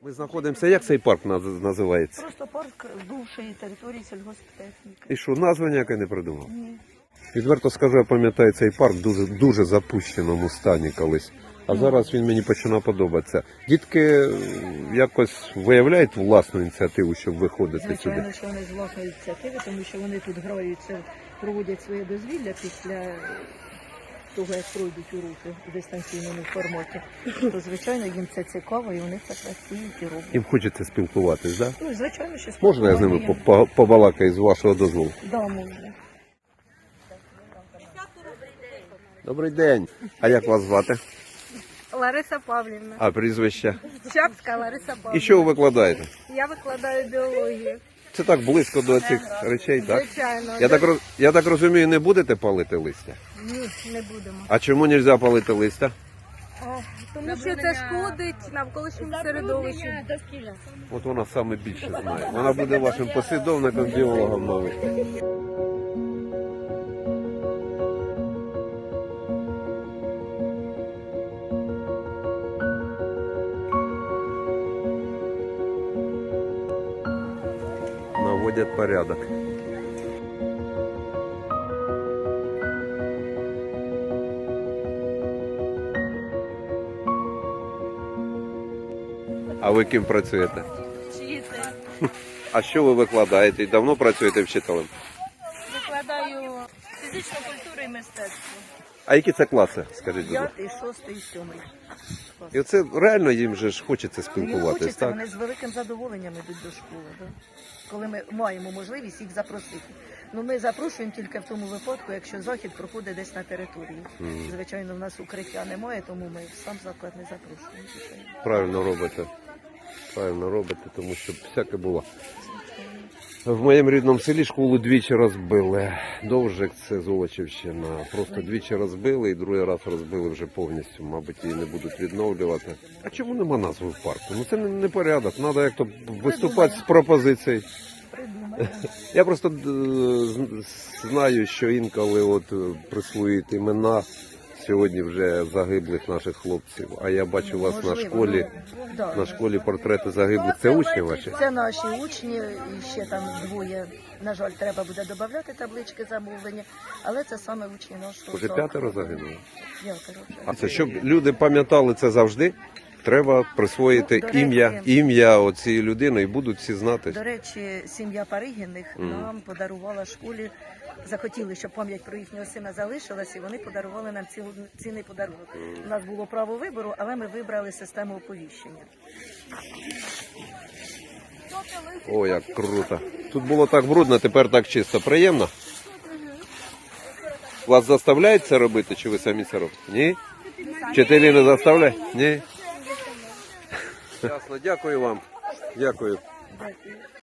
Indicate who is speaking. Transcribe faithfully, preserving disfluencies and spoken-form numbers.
Speaker 1: Ми знаходимося, як цей парк наз- називається?
Speaker 2: Просто парк бувшої території сільгосптехніки.
Speaker 1: І що, назва ніяка не придумав?
Speaker 2: Ні.
Speaker 1: Відверто скажу, я пам'ятаю цей парк дуже, дуже запущеному стані колись. А зараз він мені починав подобатися. Дітки якось виявляють власну ініціативу, щоб виходити
Speaker 2: Звичайно,
Speaker 1: сюди?
Speaker 2: що вони з власної ініціативи, тому що вони тут граються, проводять своє дозвілля після того, як пройдуть уроки в дистанційному форматі. То, звичайно, їм це цікаво і вони так працюють і роблять.
Speaker 1: Їм хочеться спілкуватись, так? Да?
Speaker 2: Ну, звичайно, що
Speaker 1: Можна я з ними
Speaker 2: спілкування.
Speaker 1: по- по- побалакаю з вашого дозволу?
Speaker 2: Да, можна.
Speaker 1: Добрий день. А як вас звати?
Speaker 3: Лариса Павлівна.
Speaker 1: А прізвище?
Speaker 3: Чапська Лариса Павлівна.
Speaker 1: І що ви викладаєте?
Speaker 3: Я викладаю біологію.
Speaker 1: Це так близько до цих речей, так?
Speaker 3: Звичайно.
Speaker 1: Я так, роз- я так розумію, не будете палити листя?
Speaker 3: Ні, не будемо.
Speaker 1: А чому не можна палити листя?
Speaker 3: Тому що це шкодить навколишньому середовищу.
Speaker 1: От вона саме більше знає. Вона буде вашим послідовником, біологом новим. Наводять порядок. А ви ким працюєте?
Speaker 3: Вчитель.
Speaker 1: А що ви викладаєте? І давно працюєте вчителем?
Speaker 3: Викладаю фізичну культуру і мистецтво.
Speaker 1: А які це класи, скажіть, будь ласка?
Speaker 2: П'ятий, шостий, сьомий.
Speaker 1: І оце реально їм же ж хочеться
Speaker 2: Їм
Speaker 1: спілкуватись,
Speaker 2: хочеться,
Speaker 1: так?
Speaker 2: вони з великим задоволенням йдуть до школи, да? Коли ми маємо можливість їх запросити. Ну, ми запрошуємо тільки в тому випадку, якщо захід проходить десь на території. Звичайно, в нас укриття немає, тому ми в сам заклад не запрошуємо. звичайно.
Speaker 1: Правильно робите. Правильно робите, тому що всяке було. В моєму рідному селі школу двічі розбили. Довжик, це Золочівщина. Просто двічі розбили і другий раз розбили вже повністю. Мабуть, її не будуть відновлювати. А чому нема назви в парку? Ну це не, не порядок. Треба як-то виступати з пропозицією.
Speaker 2: Придумаємо.
Speaker 1: Я просто е, з- знаю, що інколи от е, присвоюють імена сьогодні вже загиблих наших хлопців. А я бачу у вас на
Speaker 2: Можливо,
Speaker 1: школі,
Speaker 2: ну, да.
Speaker 1: на школі портрети загиблих. Це учні ваші?
Speaker 2: Це наші учні, і ще там двоє. На жаль, треба буде додати таблички замовлення, але це саме учні нашого.
Speaker 1: Уже
Speaker 2: закладу.
Speaker 1: п'ятеро загинуло.
Speaker 2: П'ятеро вже.
Speaker 1: А це щоб люди пам'ятали це завжди, треба присвоїти
Speaker 2: Ну, до речі-
Speaker 1: ім'я, ім'я оцієї людини і будуть всі знати.
Speaker 2: До речі, сім'я Паригіних нам подарувала школі, захотіли, щоб пам'ять про їхнього сина залишилась, і вони подарували нам ціл- цінний подарунок. У нас було право вибору, але ми вибрали систему оповіщення.
Speaker 1: О, як круто. Тут було так брудно, тепер так чисто. Приємно? Вас заставляють це робити, чи ви самі це робите? Ні? Вчителі не заставляють? Ні? Ясно, дякую вам. Дякую.